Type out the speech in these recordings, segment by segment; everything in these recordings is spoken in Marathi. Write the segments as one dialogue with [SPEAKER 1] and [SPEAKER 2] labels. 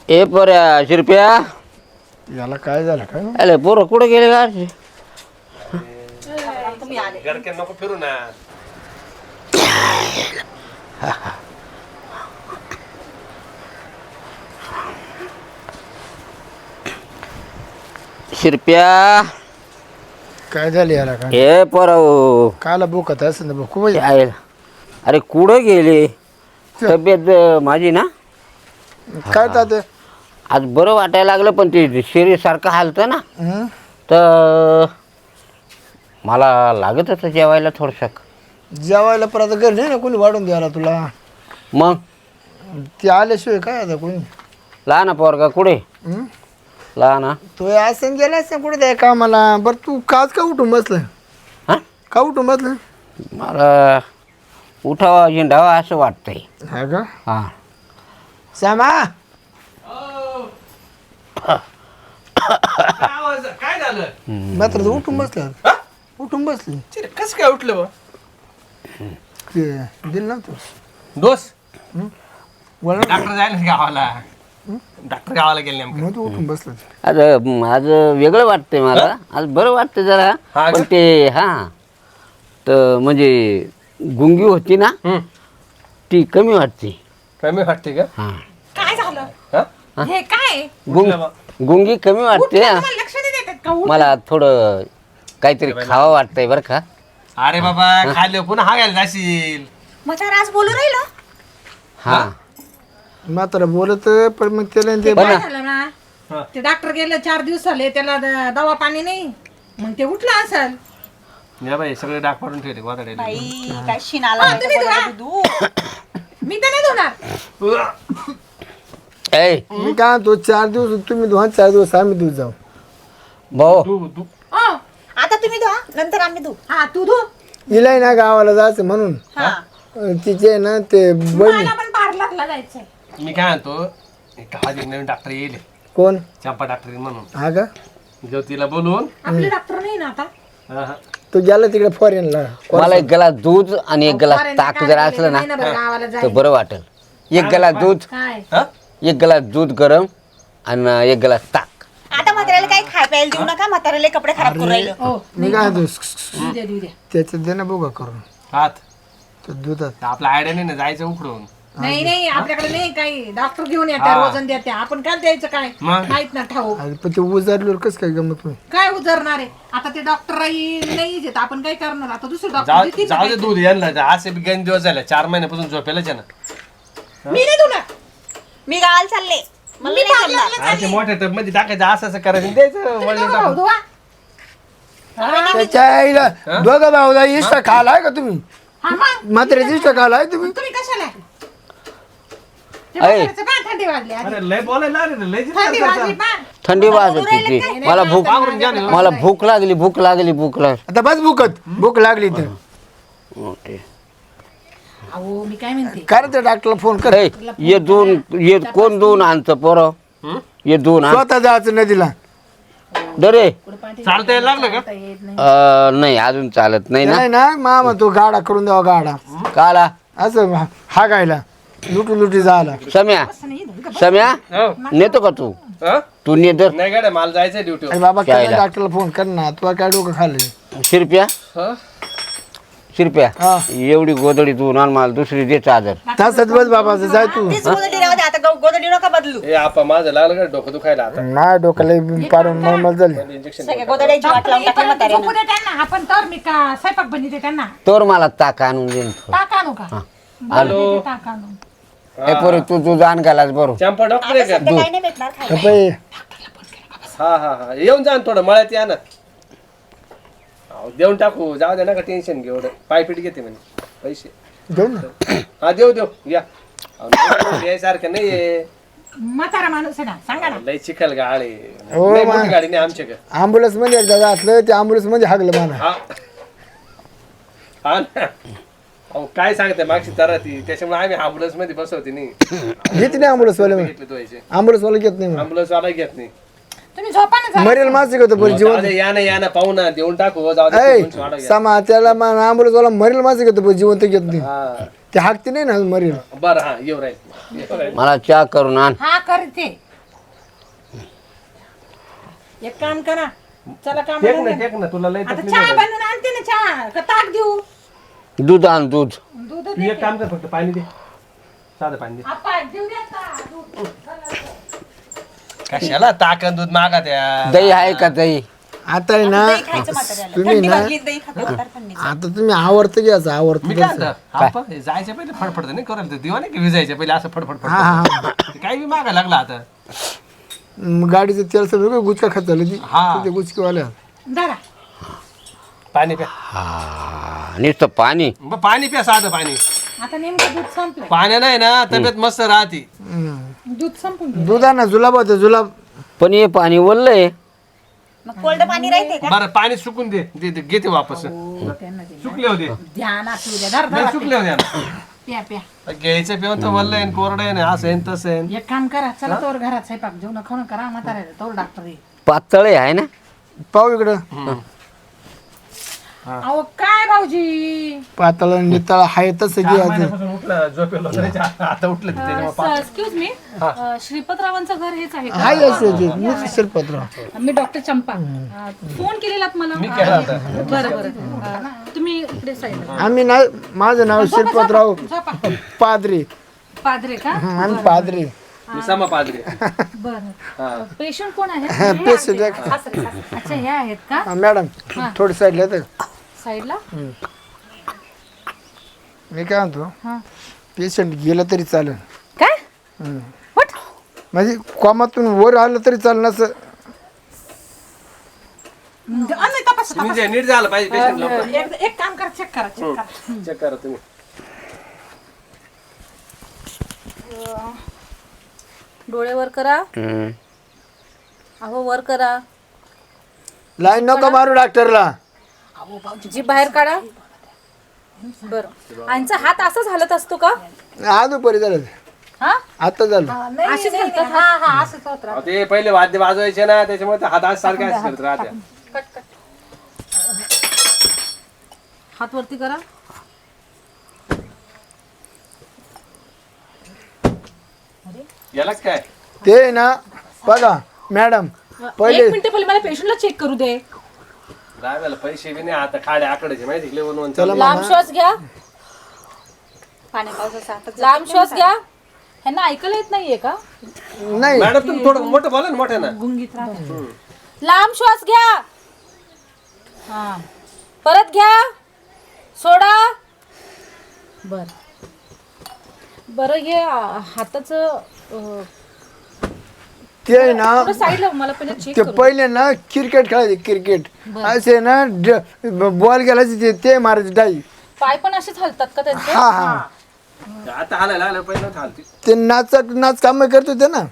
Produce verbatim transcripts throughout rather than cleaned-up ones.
[SPEAKER 1] ए पर्या शिरप्या
[SPEAKER 2] याला काय झालं काय
[SPEAKER 1] अरे पोरं कुठे गेले का
[SPEAKER 3] गडके नको फिरू ना.
[SPEAKER 1] शिरप्या
[SPEAKER 2] काय झालं याला काय
[SPEAKER 1] ए पोरं
[SPEAKER 2] काला बोकत असं ना खूप
[SPEAKER 1] यायला. अरे कुठं गेले तब्येत अं, माझी ना
[SPEAKER 2] काय तात
[SPEAKER 1] आज बरं वाटायला लागलं पण ते शरीर सारखं हालतं ना
[SPEAKER 2] हं?
[SPEAKER 1] तर मला लागत होतं जेवायला थोडंसं
[SPEAKER 2] जेवायला परत घर नाही ना कोणी वाढून द्यायला तुला
[SPEAKER 1] मग
[SPEAKER 2] ते आल्याशिवाय काय आता कोणी
[SPEAKER 1] लहान पोरगा कुठे
[SPEAKER 2] हं?
[SPEAKER 1] लहान
[SPEAKER 2] तो असं गेला असं कुठे द्या कामाला बरं तू काच का उठून बसलं
[SPEAKER 1] हां
[SPEAKER 2] का उठून बसलं
[SPEAKER 1] मला उठावा झेंडावा असं वाटतंय
[SPEAKER 2] हा का
[SPEAKER 1] हां
[SPEAKER 2] श्यामा
[SPEAKER 3] काय आवाज काय झालं?
[SPEAKER 2] मात्र तू उठून बसलं उठून बसली
[SPEAKER 3] चिरे कसं काय उठलं बा?
[SPEAKER 2] ते दिल ना तू
[SPEAKER 3] दोस
[SPEAKER 2] वळण
[SPEAKER 3] डॉक्टर जायला गावाला. डॉक्टर गावाला गेले नेमकं.
[SPEAKER 2] मग तू उठून बसलं
[SPEAKER 1] आज आज वेगळं वाटतंय मला आज बरं वाटतं जरा
[SPEAKER 3] हा
[SPEAKER 1] पण
[SPEAKER 3] का?
[SPEAKER 1] ते हां तर म्हणजे गुंगी होती ना
[SPEAKER 3] हं.
[SPEAKER 1] ती कमी वाटते
[SPEAKER 3] कमी वाटते का?
[SPEAKER 1] हां
[SPEAKER 4] काय झालं
[SPEAKER 3] हा?
[SPEAKER 4] हे काय
[SPEAKER 1] गुंग
[SPEAKER 3] उठलं बा.
[SPEAKER 1] गुंगी कमी वाटते
[SPEAKER 4] उठलं,
[SPEAKER 1] हा.
[SPEAKER 4] तुम्हाला लक्ष नाही देतात का? उठ.
[SPEAKER 1] मला थोडं काहीतरी खावं वाटतंय बरं का
[SPEAKER 3] अरे बाबा खाल्लं पुन्हा हा घ्यायला जाशील.
[SPEAKER 4] म्हातारा आज बोलू राहिलं
[SPEAKER 1] हां
[SPEAKER 2] मात्र बोलत पण मग त्याला ते
[SPEAKER 1] पण
[SPEAKER 4] काय
[SPEAKER 1] ना.
[SPEAKER 4] झालं
[SPEAKER 3] हा.
[SPEAKER 4] ना ते डॉक्टर गेले चार दिवस झाले त्याला द- दवा पाणी नाही मग ते उठलं असेल
[SPEAKER 3] या बाई सगळे डाग पाडून ठेवले गोदाडे.
[SPEAKER 5] बाई काय शिनाला
[SPEAKER 4] हा, तुम्ही धुवा. मी तर नाही धुणार
[SPEAKER 1] ए
[SPEAKER 2] मी काय तो चार दिवस तुम्ही दोन चार दिवस आम्ही दूध जाऊ
[SPEAKER 1] भाऊ
[SPEAKER 3] तू तू
[SPEAKER 4] ओ,
[SPEAKER 5] आता तुम्ही धुवा नंतर आम्ही धुऊ
[SPEAKER 4] हा तू धु
[SPEAKER 2] हिलाय ना गावाला जायचं म्हणून
[SPEAKER 5] हा
[SPEAKER 2] अं, तिचे ना ते बहिणी
[SPEAKER 4] मला पण पार्लरला जायचंय
[SPEAKER 3] मी काय म्हणतो एक गावात एक नवीन डॉक्टर येईल
[SPEAKER 2] कोण
[SPEAKER 3] चंपा डॉक्टर म्हणून.
[SPEAKER 2] हा का
[SPEAKER 3] ज्योतीला बोलवून
[SPEAKER 4] आपले डॉक्टर नाही ना आता
[SPEAKER 3] हा, हा.
[SPEAKER 2] तो गेला तिकडे फॉरेनला
[SPEAKER 1] मला एक ग्लास दूध आणि एक ग्लास
[SPEAKER 4] फॉरेनला
[SPEAKER 1] ताक
[SPEAKER 4] काय
[SPEAKER 1] जर
[SPEAKER 4] गेले
[SPEAKER 1] असलं
[SPEAKER 4] नाही ना
[SPEAKER 1] ना
[SPEAKER 4] बरं गावाला
[SPEAKER 1] तर
[SPEAKER 4] जायचं
[SPEAKER 1] बरं वाटेल एक ग्लास दूध
[SPEAKER 4] काय
[SPEAKER 3] हा?
[SPEAKER 1] एक ग्लास दूध गरम आणि एक ग्लास ताक
[SPEAKER 5] आता म्हाताऱ्याला काही खाय प्यायला देऊ नका म्हाताऱ्याला कपडे खराब करून राहिलं
[SPEAKER 4] हो
[SPEAKER 2] मी काय म्हणतो
[SPEAKER 4] देऊ द्या देऊ द्या
[SPEAKER 2] त्याच्यात दे ना बघा करून
[SPEAKER 3] हात
[SPEAKER 2] त्या दुधात
[SPEAKER 3] आपला आयडिया नाही ना जायचं उकडून.
[SPEAKER 4] नाही नाही आपल्याकडे नाही काही डॉक्टर घेऊन येत्या
[SPEAKER 3] हा.
[SPEAKER 4] वजन देत्या आपण काय द्यायचं काय
[SPEAKER 3] मग?
[SPEAKER 4] माहित ना ठाऊ
[SPEAKER 2] आणि पण ते उजारल्यावर कसं काय गमत नाही
[SPEAKER 4] काय उजरणार आहे आता ते डॉक्टर नाही येत आपण काय करणार आता दुसरे
[SPEAKER 3] जाऊ
[SPEAKER 4] डॉक्टर
[SPEAKER 3] जाऊ दे दूध यांना असे बी गण दिवस झाले चार महिन्यापासून झोपेलाच आहे ना.
[SPEAKER 4] मी नाही धुणार
[SPEAKER 5] मी गावाला चालले मला
[SPEAKER 4] मी
[SPEAKER 5] नाही जमणार.
[SPEAKER 4] पार्लरला
[SPEAKER 3] अरे ते मोठ्या टब मध्ये टाकायचं असं असं करायचं द्यायचं वळून
[SPEAKER 4] धुवा,
[SPEAKER 3] टाकून.
[SPEAKER 4] धुवा.
[SPEAKER 2] त्याच्या आईला दोघं भाऊला इष्टा खालाय का तुम्ही
[SPEAKER 4] हा मग
[SPEAKER 2] मात्र इष्टा खालाय तुम्ही
[SPEAKER 4] तुम्ही कशाला ते
[SPEAKER 1] ऐ.
[SPEAKER 4] म्हाताऱ्याचं पहा, थंडी वाजली आधी.
[SPEAKER 3] अरे लय बोलायला लागले ना, लय जिद्द
[SPEAKER 4] थंडी
[SPEAKER 3] करता.
[SPEAKER 4] वाजली पहा.
[SPEAKER 1] थंडी वाजत होती मला भूक
[SPEAKER 3] पांघरून घ्या ना.
[SPEAKER 1] मला भूक लागली भूक लागली भूक लागली
[SPEAKER 2] आता बस भूकत भूक लागली तर
[SPEAKER 1] ओके.
[SPEAKER 4] अहो मी काय म्हणते
[SPEAKER 2] काय रे त्या डॉक्टरला फोन कर
[SPEAKER 1] ए, ये दोन ये कोण दोन आणतं पोरं
[SPEAKER 3] हं?
[SPEAKER 1] ये दोन आण
[SPEAKER 2] स्वतः जायचं नदीला
[SPEAKER 1] दरे
[SPEAKER 4] पुढे पाठी
[SPEAKER 3] चालता यायला लागलं का?
[SPEAKER 4] चालता येत नाही.
[SPEAKER 1] अं, नाही अजून चालत नाही ना
[SPEAKER 2] नाही ना मामा तो गाडा करून द्यावा गाडा
[SPEAKER 1] काला
[SPEAKER 2] असं हा गायला लुटू लुटी झाला
[SPEAKER 1] सम्या
[SPEAKER 4] असं नाही धुवा.
[SPEAKER 1] सम्या
[SPEAKER 3] हो.
[SPEAKER 1] नेतो का तू
[SPEAKER 3] हं?
[SPEAKER 1] तू ने दर
[SPEAKER 3] नाही गाड्या मला जायचंय ड्युटीवर.
[SPEAKER 2] अरे बाबा काय
[SPEAKER 1] काय
[SPEAKER 2] डॉक्टरला फोन कर ना तुला काय डोकं खाल्लं
[SPEAKER 1] शिरप्या
[SPEAKER 3] हं?
[SPEAKER 1] शिरप्या
[SPEAKER 2] हा
[SPEAKER 1] एवढी गोदडी तू आण मला दुसरी दे चादर
[SPEAKER 2] तासात बस बाबा जाय तू
[SPEAKER 5] तीच गोदडी राहू दे आता गो- गोदडी नका बदलू
[SPEAKER 3] ए आपा माझं लागलं का डोकं दुखायला आता.
[SPEAKER 2] नाही डोक्याला पारून नॉर्मल झाली
[SPEAKER 3] इंजेक्शन
[SPEAKER 5] सगळ्या गोदड्याची वाट लावून टाकली
[SPEAKER 4] येईपर्यंत
[SPEAKER 5] म्हाताऱ्यानं
[SPEAKER 4] झोपू दे त्यांना आपण तर मी का स्वयंपाक बनवते त्यांना
[SPEAKER 1] तर मला ताक आणून दे ना थोडं.
[SPEAKER 4] टाक आणू का बरं, देते टाक आणून
[SPEAKER 1] ए पोरी तू तू जाण घालास बरोबर
[SPEAKER 3] चंपा डॉक्टर आहे का?
[SPEAKER 5] सध्या काही नाही भेटणार खायला
[SPEAKER 2] कपय
[SPEAKER 3] हा हा हा येऊन जा ना थोडं मळ्यात या ना. अहो, देऊन टाकू जाऊ दे नका टेन्शन घेऊ एवढं पायपीट घेते म्हणे पैसे.
[SPEAKER 2] देऊ ना
[SPEAKER 3] हा देऊ देऊ या अहो, नाही, यायसारखं नाही आहे.
[SPEAKER 4] म्हातारा माणूस आहे ना सांगा ना
[SPEAKER 3] लय चिखल गाडी
[SPEAKER 2] हो,
[SPEAKER 3] लय
[SPEAKER 2] मा-
[SPEAKER 3] मोठी गाडी नाही आमच्या
[SPEAKER 2] ॲम्ब्युलन्स मध्ये एकदा घातलं त्या ॲम्ब्युलन्स मध्ये हागलं मला
[SPEAKER 3] हा हा ना अहो काय सांगते मागची तरा ती त्याच्यामुळे आम्ही अँब्युलन्स मध्ये बसवते नाही
[SPEAKER 2] घेत नाही ॲम्ब्युलन्स वाले
[SPEAKER 3] घेतले तो यायचे
[SPEAKER 2] ॲम्ब्युलन्स वाला घेत नाही
[SPEAKER 3] अँब्युलन्स वाला घेत नाही.
[SPEAKER 4] तुम्ही झोपा ना जरा.
[SPEAKER 2] मरेल मासिक होतं पण
[SPEAKER 3] जाऊ
[SPEAKER 2] जीवन
[SPEAKER 3] दे, या ना या ना पाहू ना देऊन टाकू हो, जाऊ दे
[SPEAKER 2] ऐ
[SPEAKER 3] दोनशे वाढव घ्या.
[SPEAKER 2] समा त्याला ॲम्ब्युलन्स वाला मरेल मासिक होतं पण जिवंत घेत नाही
[SPEAKER 3] हा
[SPEAKER 2] ते हाकते नाही ना मरेल
[SPEAKER 3] बरं हा येऊ राहील येऊ राहील.
[SPEAKER 1] मला चहा करून आण
[SPEAKER 4] हा करते एक काम करा चला काम
[SPEAKER 3] टेक ना टेक ना तुला लय
[SPEAKER 4] आता
[SPEAKER 3] तकलीफ
[SPEAKER 4] चहा
[SPEAKER 3] आहे.
[SPEAKER 4] बनवून आणते ना चहा का ताक देऊ
[SPEAKER 1] दूध आण दूध
[SPEAKER 4] दूध
[SPEAKER 3] तू एक काम कर फक्त पाणी दे साधं पाणी दे
[SPEAKER 4] आपा देऊ द्या आता, दूध.
[SPEAKER 3] कशाला ताक आणि दूध मागा त्या
[SPEAKER 1] दही आहे का दही
[SPEAKER 2] आता आहे ना
[SPEAKER 5] दही खायचं म्हाताऱ्याला.
[SPEAKER 2] तुम्ही
[SPEAKER 5] थंडी
[SPEAKER 2] ना
[SPEAKER 5] वाजली दही खाते म्हातारं थंडीचं.
[SPEAKER 2] आता तुम्ही आवडतं घ्यायचं आवडतं
[SPEAKER 3] मी काय
[SPEAKER 2] घ्यायचं
[SPEAKER 3] म्हणतो, आपण हे जायच्या पहिले फडफड नाही करायला दिवा नाही की विजायच्या पहिले असं फडफड
[SPEAKER 2] हा हा
[SPEAKER 3] फडफड ते काही बी मागा लागला आता
[SPEAKER 2] मग गाडीचं तेल सगळं गुचका खात झालं ती
[SPEAKER 3] हा.
[SPEAKER 2] ते गुचकीवाल्या
[SPEAKER 4] दादा
[SPEAKER 3] पाणी प्या
[SPEAKER 1] हा नुसतं पाणी
[SPEAKER 3] मग पाणी प्या साधं पाणी
[SPEAKER 4] आता नेमकं दूध संपलं
[SPEAKER 3] पाण्या नाही ना तब्येत मस्त राहते
[SPEAKER 4] दूध संपून गेलं.
[SPEAKER 2] दुधा जुलाब होते जुलाब
[SPEAKER 1] पण हे पाणी ओललंय
[SPEAKER 5] मग कोल्ड पाणी राहते का
[SPEAKER 3] बरं पाणी सुकून दे दे दे, घेते वापस
[SPEAKER 4] त्यांना दे.
[SPEAKER 3] सुकले होते
[SPEAKER 4] ध्यान असू द्या धर
[SPEAKER 3] नाही
[SPEAKER 4] धर
[SPEAKER 3] सुकले होते
[SPEAKER 4] प्या प्या
[SPEAKER 3] घ्यायचं पिऊन तर वल्ल आहे कोरडं आहे ना असं आहे न तसं आहे
[SPEAKER 4] एक काम करा चला तोवर घरात स्वयंपाक जेवण खाऊन करा म्हाताऱ्याला तोवर डॉक्टर येईल
[SPEAKER 1] पातळ आहे ना
[SPEAKER 2] पाहू इकडं
[SPEAKER 4] अहो काय भाऊजी
[SPEAKER 2] पातळ नितळ हाय तसं
[SPEAKER 3] चार
[SPEAKER 2] घ्यायचं
[SPEAKER 3] महिन्यापासून उठलं झोपेलो तरी चा- आता उठलं ते त्याच्यामुळे पा-
[SPEAKER 6] एक्सक्यूज मी श्रीपतरावांचं घर हेच आहे
[SPEAKER 2] हाय असं ते मीच शिरपत्र
[SPEAKER 6] का मी डॉक्टर चंपा अ, फोन केलेलात मला
[SPEAKER 3] मी केला होता
[SPEAKER 6] बरं बरं अ, तुम्ही इकडे साईड
[SPEAKER 2] आम्ही नाही माझं नाव शिरपतराव पादरी
[SPEAKER 6] पादरे का
[SPEAKER 2] आम्ही पादरी
[SPEAKER 3] मी समा पादरी
[SPEAKER 6] बरं पेशंट कोण आहे
[SPEAKER 2] पेशंट
[SPEAKER 6] अच्छा हे आहेत का
[SPEAKER 2] मॅडम थोडी साईडला तर
[SPEAKER 6] साईडला
[SPEAKER 2] मी काय म्हणतो
[SPEAKER 6] हा
[SPEAKER 2] पेशंट गेलं तरी चालेल
[SPEAKER 6] काय What?
[SPEAKER 2] म्हणजे कॉमातून वर आलं तरी चालेल असं
[SPEAKER 4] नाही तपास
[SPEAKER 3] म्हणजे नीट झालं पाहिजे पेशंट लवकर
[SPEAKER 4] एक एक काम करा चेक करा चेक करा
[SPEAKER 3] चेक करा तुम्ही
[SPEAKER 6] डोळे वर करा
[SPEAKER 1] हम्म.
[SPEAKER 6] अहो वर करा
[SPEAKER 2] लाईन नको मारू डॉक्टरला
[SPEAKER 6] जी बाहेर काढा बरं यांचा हात असाच हालत असतो का
[SPEAKER 2] आज परी झालं
[SPEAKER 6] हा
[SPEAKER 2] आता झालं
[SPEAKER 6] अशीच हालतात
[SPEAKER 4] हा हा असंच होत राहतं.
[SPEAKER 3] अहो, ते पहिले वाद्य वाजवायचे ना त्याच्यामुळे ते हात आज सारखे असं करत राहत्या
[SPEAKER 6] कट कट हात वरती करा
[SPEAKER 3] याला काय
[SPEAKER 2] ते ना बघा मॅडम पहिले
[SPEAKER 6] एक मिनिट पहिले मला पेशंटला चेक करू दे
[SPEAKER 3] राहायला पैसे बी नाही आता खाडे आकडेचे माहिती का वन
[SPEAKER 2] चला
[SPEAKER 6] लांब श्वास घ्या
[SPEAKER 5] पाणी पावसाचं आता
[SPEAKER 6] लांब श्वास घ्या ह्यांना ऐकायला येत नाहीये का
[SPEAKER 2] नाही
[SPEAKER 3] मॅडम तुम्ही थोडं मोठं बोला ना मोठ्या ना
[SPEAKER 4] गुंगीत राहते
[SPEAKER 6] लांब श्वास घ्या हा परत घ्या सोडा बर बर हे अ, हाताचं अ,
[SPEAKER 2] ते आहे ना
[SPEAKER 6] थोडं साईडला मला पहिले चेक
[SPEAKER 2] ते
[SPEAKER 6] करू
[SPEAKER 2] पहिले ना क्रिकेट खेळायचे क्रिकेट असे ना बॉल गेलायचे ते- ते मारायचे डाई
[SPEAKER 6] पाय पण असेच हलतात का त्यांचे
[SPEAKER 2] हा हा
[SPEAKER 3] आता हालायला आलं पहिले नव्हतं हालती
[SPEAKER 2] ते नाच नाच काम करत होते ना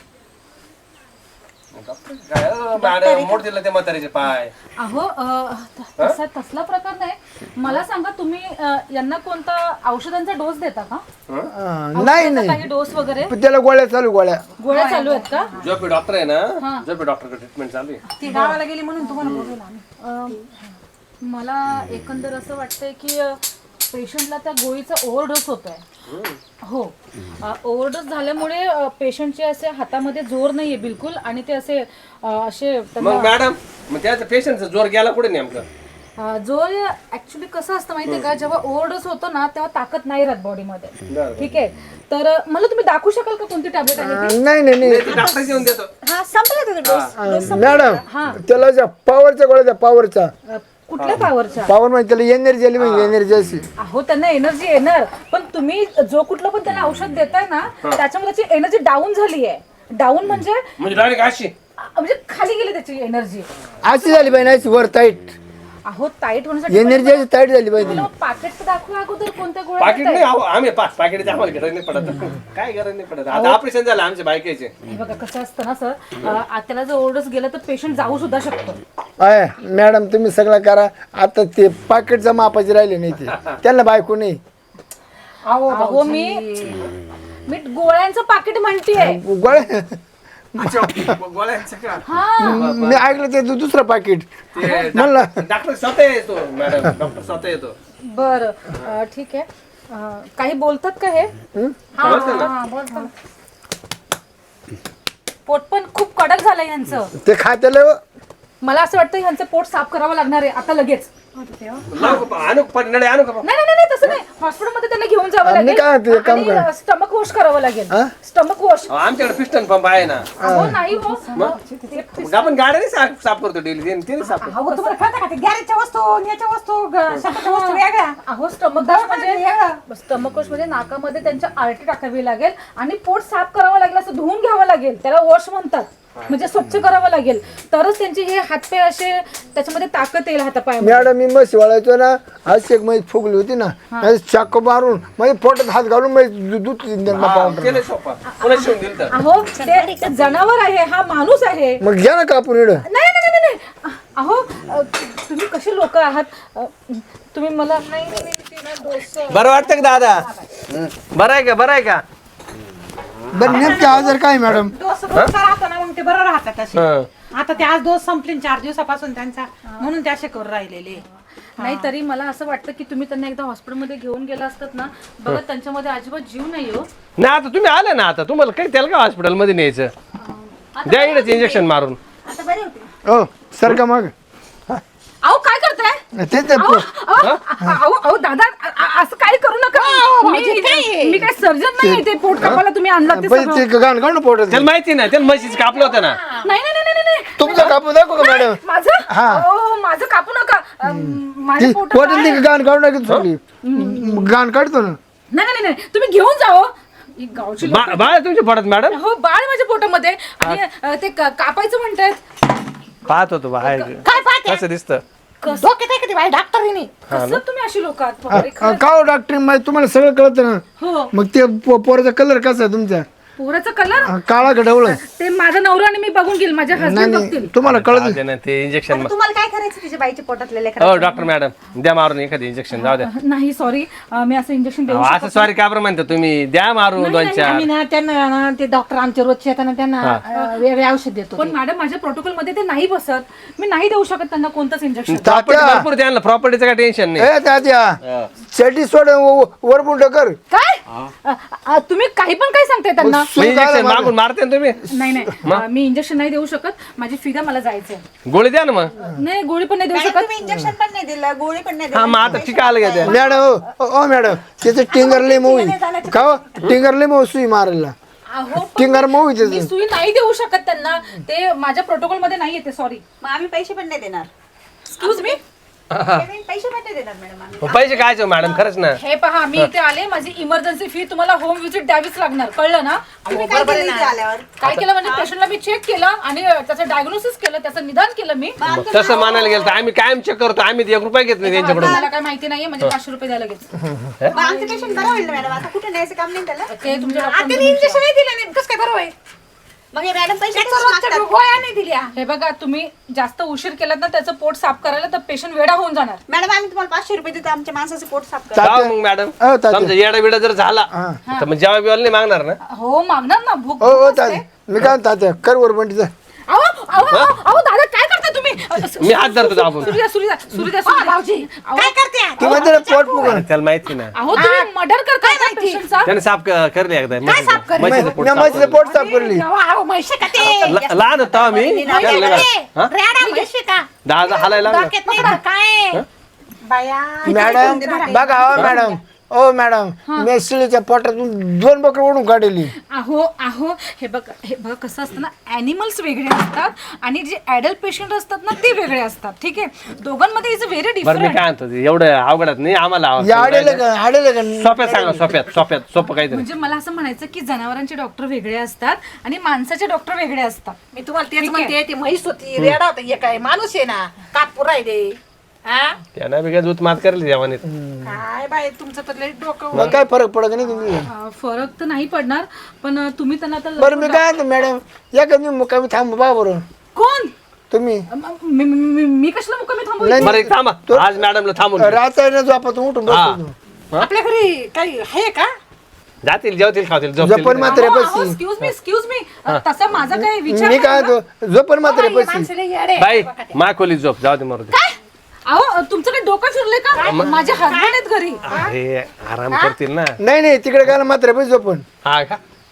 [SPEAKER 3] काय अं, मॅडम मोड दिलं ते म्हातारीचे पाय
[SPEAKER 6] अहो अ, त- तसा तसला प्रकार नाही मला सांगा तुम्ही अ, यांना कोणता औषधांचा डोस देता का
[SPEAKER 2] अं, नाही
[SPEAKER 6] औषधांचा
[SPEAKER 2] नाही
[SPEAKER 6] काही डोस वगैरे
[SPEAKER 2] पण त्याला गोळ्या चालू गोळ्या
[SPEAKER 6] गोळ्या चालू आहेत का
[SPEAKER 3] झोपे डॉक्टर आहे ना झोपे डॉक्टर ट्रीटमेंट चालू आहे
[SPEAKER 4] ती गावाला गेली म्हणून तुम्हाला बोलवलं आम्ही
[SPEAKER 6] अ, मला एकंदर असं वाटतंय की पेशंटला त्या गोळीचा ओव्हरडोस होतोय हो ओव्हरडोस झाल्यामुळे पेशंटचे असे हातामध्ये जोर नाहीये बिलकुल आणि ते असे अ, असे त्यांना-
[SPEAKER 3] मग मॅडम मग त्याचा पेशंटचा जोर गेला कुठे नेमकं
[SPEAKER 6] अ, जोर ऍक्च्युली कसं असतं माहितीये का जेव्हा ओव्हरडोस होतो ना तेव्हा ताकद नाही राहत बॉडीमध्ये
[SPEAKER 3] बरं.
[SPEAKER 6] ठीक आहे तर अ, मला तुम्ही दाखवू शकाल का कोणती टॅबलेट आहे ती?
[SPEAKER 2] अं, नाही नाही नाही
[SPEAKER 3] ते डॉक्टर घेऊन देतो
[SPEAKER 5] हा संपला तो डोस
[SPEAKER 2] अं, मॅडम त्याला ज्या पॉवरच्या गोळ्या द्या पॉवरचा
[SPEAKER 6] अ, कुठल्या पावरच्या
[SPEAKER 2] पॉवर म्हणजे त्याला एनर्जी आली म्हणजे एनर्जी अशी
[SPEAKER 6] अहो त्यांना एनर्जी येणार पण तुम्ही जो कुठलं पण त्यांना औषध देताय ना त्याच्यामध्ये त्याची एनर्जी डाऊन झाली आहे डाऊन म्हणजे
[SPEAKER 3] म्हणजे डायरेक्ट अशी
[SPEAKER 6] अ, म्हणजे खाली गेली त्याची एनर्जी
[SPEAKER 2] अशी झाली पाहिजे अशी वर टाईट
[SPEAKER 6] अहो टाईट होण्यासाठी
[SPEAKER 2] एनर्जी अशी टाईट झाली पाहिजे
[SPEAKER 6] पाकिट तर दाखवा अगोदर कोणत्या गोळ्या
[SPEAKER 3] पाकिट
[SPEAKER 6] देताय?
[SPEAKER 3] नाही अहो, आम्ही पाच पाकिट आम्हाला गरज नाही पडत काय गरज नाही पडत आता ऑपरेशन झालं आमच्या बायकाचे
[SPEAKER 6] हे बघा कसं असतं ना सर अ, त्याला जर ओरडस गेलं तर पेशंट जाऊ सुद्धा शकतो
[SPEAKER 2] आहे मॅडम तुम्ही सगळं करा आता ते पाकिटचा मापाचे राहिले नाही ते त्यांना बायको नाही
[SPEAKER 4] अहो
[SPEAKER 6] अहो मी मी गोळ्यांचं पाकिट म्हणतेय
[SPEAKER 2] गोळ्या
[SPEAKER 3] गोळ्यांचं का
[SPEAKER 6] हा
[SPEAKER 2] मी ऐकलं ते दु- दुसरं पाकिट
[SPEAKER 3] ते
[SPEAKER 2] म्हणलं
[SPEAKER 3] डॉक्टर स्वतः येतो मॅडम डॉक्टर स्वतः येतो
[SPEAKER 6] बर ठीक आहे अ, काही बोलतात का हे
[SPEAKER 3] बोलतो ना.
[SPEAKER 4] हा बोलतो
[SPEAKER 6] पोट पण खूप कडक झालंय ह्यांचं.
[SPEAKER 2] ते खात्याला
[SPEAKER 6] मला असं वाटतं ह्यांचं पोट साफ करावं लागणार आहे आता लगेच.
[SPEAKER 3] लावू का? आणू का? पण नळे आणू का?
[SPEAKER 6] नाही नाही नाही तसं नाही, हॉस्पिटलमध्ये त्यांना घेऊन जावं
[SPEAKER 2] आम्ही काय म्हणतो, एक काम
[SPEAKER 6] लागेल
[SPEAKER 2] करा.
[SPEAKER 6] आणि स्टमक वॉश करावं लागेल.
[SPEAKER 2] हा?
[SPEAKER 6] Stomach wash.
[SPEAKER 3] अहो, आमच्याकडे पिस्टन पंप आहे ना.
[SPEAKER 6] अहो नाही हो.
[SPEAKER 3] मग आपण गाड्याने साफ साफ करतो डेली ते साफ करतो.
[SPEAKER 4] अहो तुम्हाला कळतं का ते गॅरेजच्या वस्तू आणि याच्या वस्तू ग- शब्दाच्या वस्तू वेगळ्या.
[SPEAKER 6] अहो स्टमक वॉश म्हणजे स्टमक वॉश म्हणजे नाकामध्ये त्यांच्या आरटी टाकावी लागेल आणि पोट साफ करावं लागेल, असं धुवून घ्यावं लागेल. त्याला वॉश म्हणतात, म्हणजे स्वच्छ करावं लागेल, तरच त्यांचे हे हातपाय असे त्याच्यामध्ये ताकद येईल हातापायामध्ये.
[SPEAKER 2] मॅडम मी म्हशी वाळायचो ना, आज एक म्हैस फुगली होती ना, चाकू मारून म्हणजे पोटात हात घालून म्हैस दू- दूध
[SPEAKER 3] हा,
[SPEAKER 2] पावडर.
[SPEAKER 3] केलं सोपा. पुन्हा शिवून दिलं तर.
[SPEAKER 6] अहो ते ते जनावर आहे, हा माणूस आहे.
[SPEAKER 2] मग घ्या ना कापून इकडं.
[SPEAKER 6] नाही नाही नाही नाही अहो अ, तुम्ही कसे लोक आहात? अ, तुम्ही मला नाही नाही, नाही, ते ना डोसं.
[SPEAKER 3] बरं वाटतं का दादा? बरं आहे का? बरं आहे का?
[SPEAKER 2] बरं नेमके आजार काय मॅडम?
[SPEAKER 4] डोस रोजचा राहतो ना, मग ते बरं राहतात असे.
[SPEAKER 3] हं.
[SPEAKER 4] आता ते आज डोस संपले ना चार दिवसापासून त्यांचा, म्हणून ते असे करून राहिलेले.
[SPEAKER 6] नाही तरी मला असं वाटतं की तुम्ही त्यांना एकदा हॉस्पिटलमध्ये घेऊन गेला असतात ना, बघा त्यांच्यामध्ये अजिबात जीव नाही हो.
[SPEAKER 3] नाही आता तुम्ही आले ना, आता तुम्हाला काही त्याला का हॉस्पिटलमध्ये न्यायचं? द्या इकडे इंजेक्शन मारून.
[SPEAKER 6] आता बरे होते.
[SPEAKER 2] हो सर का मग
[SPEAKER 6] अहो काय करताय?
[SPEAKER 2] ते ते
[SPEAKER 6] अहो अहो, अहो अहो, दादा अ- अ- असं काय करू नका. मी मी काय सर्जन नाही, ते पोट कापायला तुम्ही आणला ते
[SPEAKER 2] पहिले
[SPEAKER 6] सगळं.
[SPEAKER 2] ते गाण काढून पोटात.
[SPEAKER 3] त्याला माहिती नाही, त्याला म्हशीचं कापलं होतं ना.
[SPEAKER 6] नाही नाही नाही नाही नाही.
[SPEAKER 2] तुमचं कापून दाखव का मॅडम?
[SPEAKER 6] माझं
[SPEAKER 2] हा.
[SPEAKER 6] अहो, माझं कापू नका. अ, माझ्या
[SPEAKER 2] ती
[SPEAKER 6] पोटात
[SPEAKER 2] पोटात
[SPEAKER 6] आहे.
[SPEAKER 2] ती गाण काढून टाकी चुकली. गाण काढतो ना.
[SPEAKER 6] नाही नाही नाही तुम्ही घेऊन जाओ. ही गावची लोकं-
[SPEAKER 3] बा- बाळ तुमच्या पडत मॅडम.
[SPEAKER 6] हो बाळ माझ्या पोटामध्ये आणि अ, ते का- कापायचं म्हणतायत.
[SPEAKER 3] पाहत होतो बाहेर
[SPEAKER 4] काय पाहते?
[SPEAKER 3] कसं दिसतं.
[SPEAKER 4] डोक्यात आहे का ते बाई डॉक्टरीने?
[SPEAKER 6] कसं तुम्ही अशी लोक आहात बापरे,
[SPEAKER 2] अ,
[SPEAKER 6] खरंच.
[SPEAKER 2] का हो डॉक्टर माहिती तुम्हाला सगळं कळतं ना.
[SPEAKER 6] हो
[SPEAKER 2] मग ते पो- पोराचा कलर कसा आहे तुमचा?
[SPEAKER 6] पोराचा कलर
[SPEAKER 2] अ, काळा का ढवळा?
[SPEAKER 6] ते माझा नवरा आणि मी बघून घेईल, माझ्या
[SPEAKER 2] नाही
[SPEAKER 6] हसबंड
[SPEAKER 2] नाही
[SPEAKER 6] बघतील.
[SPEAKER 2] तुम्हाला कळत
[SPEAKER 3] जाऊ दे ना, ते इंजेक्शन.
[SPEAKER 5] तुम्हाला काय करायचं तिच्या बाईच्या पोटातले लेकरं?
[SPEAKER 3] हो डॉक्टर मॅडम द्या मारून एखादी इंजेक्शन. जाऊ द्या.
[SPEAKER 6] नाही सॉरी, मी असं इंजेक्शन देऊ
[SPEAKER 3] अहो,
[SPEAKER 6] शकत
[SPEAKER 3] असं सॉरी का बरं म्हणता तुम्ही? द्या मारून दोन चार.
[SPEAKER 4] आम्ही ना त्यांना ना ते डॉक्टर आमचे रोजचे येतात ना, त्यांना अं, वेगळे औषध देतो.
[SPEAKER 6] पण मॅडम माझ्या प्रोटोकॉल मध्ये ते नाही बसत, मी नाही देऊ शकत त्यांना कोणतंच इंजेक्शन.
[SPEAKER 3] प्रॉपर्टी
[SPEAKER 2] तात्या.
[SPEAKER 3] भरपूर द्या ना, प्रॉपर्टीचं काय टेन्शन नाही.
[SPEAKER 2] ए तात्या चटी सोड वर बुलट कर.
[SPEAKER 6] काय अ, अ, तुम्ही काही पण काय सांगताय त्यांना?
[SPEAKER 2] सुई
[SPEAKER 3] इंजेक्शन
[SPEAKER 2] घाला
[SPEAKER 3] मागून मारते ना तुम्ही.
[SPEAKER 6] नाही नाही अ, मी इंजेक्शन नाही देऊ शकत, माझी फिदा मला जायचंय.
[SPEAKER 3] गोळी द्या ना मग.
[SPEAKER 6] नाही गोळी पण नाही देऊ
[SPEAKER 5] मॅडम,
[SPEAKER 6] शकत.
[SPEAKER 5] तुम्ही इंजेक्शन पण नाही दिलं, गोळी पण नाही
[SPEAKER 3] हा
[SPEAKER 5] दिलं.
[SPEAKER 3] मग आता ठीक आलं का त्या?
[SPEAKER 2] मॅडम हो ओ मॅडम त्याचं टिंगर लय मऊ आहे. का हो? टिंगर लय मऊ सुई मारायला.
[SPEAKER 6] अहो पण
[SPEAKER 2] टिंगर मऊ आहे
[SPEAKER 6] मी
[SPEAKER 2] त्याचं.
[SPEAKER 6] सुई नाही देऊ शकत त्यांना, ते माझ्या प्रोटोकॉल मध्ये नाही येते. सॉरी.
[SPEAKER 5] मग आम्ही पैसे पण नाही देणार.
[SPEAKER 6] Excuse me.
[SPEAKER 5] पेमेंट पैसे पण नाही देणार मॅडम आम्ही.
[SPEAKER 3] मग पैसे काय मॅडम? खरंच ना.
[SPEAKER 6] हे पहा मी इथे आले, माझी इमर्जन्सी फी तुम्हाला होम विजिट द्यावीच लागणार, कळलं ना?
[SPEAKER 5] तुम्ही काय केलं इथे आल्यावर?
[SPEAKER 6] काय केलं म्हणजे पेशंटला मी चेक केलं आणि त्याचं डायग्नोसिस केलं, त्याचं निदान केलं मी.
[SPEAKER 3] मग तसं मानायला गेलं तर आम्ही कायम चेक करतो. आम्ही एक रुपया घेत नाही त्यांच्याकडून.
[SPEAKER 6] मला काय माहिती नाहीये, म्हणजे पाचशे रुपये द्यायला लागेल.
[SPEAKER 5] मग आमचं पेशंट बरं होईल ना मॅडम. आता कुठे न्यायचं काम नाही त्याला.
[SPEAKER 6] ते तुमच्या
[SPEAKER 4] आता
[SPEAKER 6] डॉक्टर
[SPEAKER 4] इंजेक्शन नाही दिलं नाही, कसं काय बरं होईल?
[SPEAKER 5] मग हे मॅडम पैसे
[SPEAKER 4] त्याचं
[SPEAKER 5] कसे
[SPEAKER 4] रोजच्या
[SPEAKER 5] मागतात?
[SPEAKER 4] गोळ्या नाही दिल्या.
[SPEAKER 6] हे बघा, तुम्ही जास्त उशीर केलात ना त्याचं पोट साफ करायला, तर पेशंट वेडा होऊन जाणार.
[SPEAKER 5] मॅडम आम्ही तुम्हाला पाचशे रुपये देतो आमच्या माणसाचं पोट साफ करा.
[SPEAKER 3] जाऊ मग मॅडम.
[SPEAKER 2] हो, तात्या.
[SPEAKER 3] समजा येडा बिडा जर झाला तर मग जेव्हा बिवायला नाही मागणार ना.
[SPEAKER 6] हो मागणार ना, भूक
[SPEAKER 2] हो हो तात्या मी काय तात्या कर वर बंटीचा.
[SPEAKER 6] अहो अहो अहो, अहो दादा काय करता तुम्ही?
[SPEAKER 3] मी हात धरतो दाबून.
[SPEAKER 6] सुरू सुरू सुरू द्या सुरू
[SPEAKER 4] भाऊजी काय करते?
[SPEAKER 2] ती म्हणते ना पोट फुगून.
[SPEAKER 3] त्याला माहिती ना.
[SPEAKER 6] अहो तुम्ही मर्डर करताय ना पेशंटचा.
[SPEAKER 3] त्याने साफ क- करले एकदा म्हशीचं- म्हशीचं पोट साफ
[SPEAKER 2] म्हशीचं पोट साफ करली.
[SPEAKER 4] अहो म्हैसे का ते?
[SPEAKER 3] करलं. ल- लहान होता मी त्याला लय लहान. हा?
[SPEAKER 4] रेडा म्हैसे का?
[SPEAKER 3] दहा हालायला लागला.
[SPEAKER 4] डोक्यात नाही राहत काय? बाया
[SPEAKER 2] मॅडम बघा हो मॅडम ओ मॅडम मी शिळीच्या पोटातून दोन बकर ओढून काढली.
[SPEAKER 6] अहो अहो हे बघा हे बघा कसं असतं ना, ॲनिमल्स वेगळे असतात आणि जे ॲडल्ट पेशंट असतात ना ते वेगळे असतात. ठीक आहे, दोघांमध्ये इज व्हेरी
[SPEAKER 3] बरं मी
[SPEAKER 6] डिफरंट.
[SPEAKER 3] काय म्हणतो ते, एवढं अवघडात नाही आम्हाला.
[SPEAKER 2] या आडेलं का आडेलं का
[SPEAKER 3] सोप्यात सांगा, सोप्यात सोप्यात सोपं काहीतरी.
[SPEAKER 6] म्हणजे मला असं म्हणायचं की जनावरांचे डॉक्टर वेगळे असतात आणि माणसाचे डॉक्टर वेगळे असतात.
[SPEAKER 4] मी तुम्हाला तेच म्हणते, ती म्हैस होती रेडा होता, हे काय माणूस आहे ना, कापूर राहिले. हा
[SPEAKER 3] त्यांना बी काय दूध मात करली जेवणीत.
[SPEAKER 4] काय बाई तुमचं तर लई डोकं.
[SPEAKER 2] मग काय फरक पडत नाही तुम्ही.
[SPEAKER 6] अं, फरक तर नाही पडणार, पण अं, तुम्ही त्यांना आता
[SPEAKER 2] बरं मी काय म्हणतो मॅडम या का मी मुक्कामी थांब बा बरं
[SPEAKER 6] कोण?
[SPEAKER 2] तुम्ही
[SPEAKER 6] अं, मी मी- मी- मी कशाला मुक्कामी थांबू?
[SPEAKER 2] नाही.
[SPEAKER 3] बरं एक थांबा, आज मॅडमला थांबून घेऊ.
[SPEAKER 2] राहता ना झोपातून उठून बसतो.
[SPEAKER 4] आपल्या घरी काही आहे का?
[SPEAKER 3] जातील जेवतील खावतील झोपतील.
[SPEAKER 2] झोपण मात्र बसी.
[SPEAKER 6] एक्सक्यूज मी एक्सक्यूज मी तसा माझा काही विचार
[SPEAKER 2] मी काय
[SPEAKER 6] नाही ना.
[SPEAKER 2] म्हणतो झोपण मात्र बसी.
[SPEAKER 4] माणसाला येडे.
[SPEAKER 3] बाई मा खोलीत झोप, जाऊ दे मरू दे.
[SPEAKER 6] अहो तुमचं काही डोकं फिरलंय का? माझे हसबंड आहेत घरी.
[SPEAKER 3] अरे आराम करतील ना.
[SPEAKER 2] नाही नाही तिकडे काय मात्र बस झोपण.
[SPEAKER 3] हा का?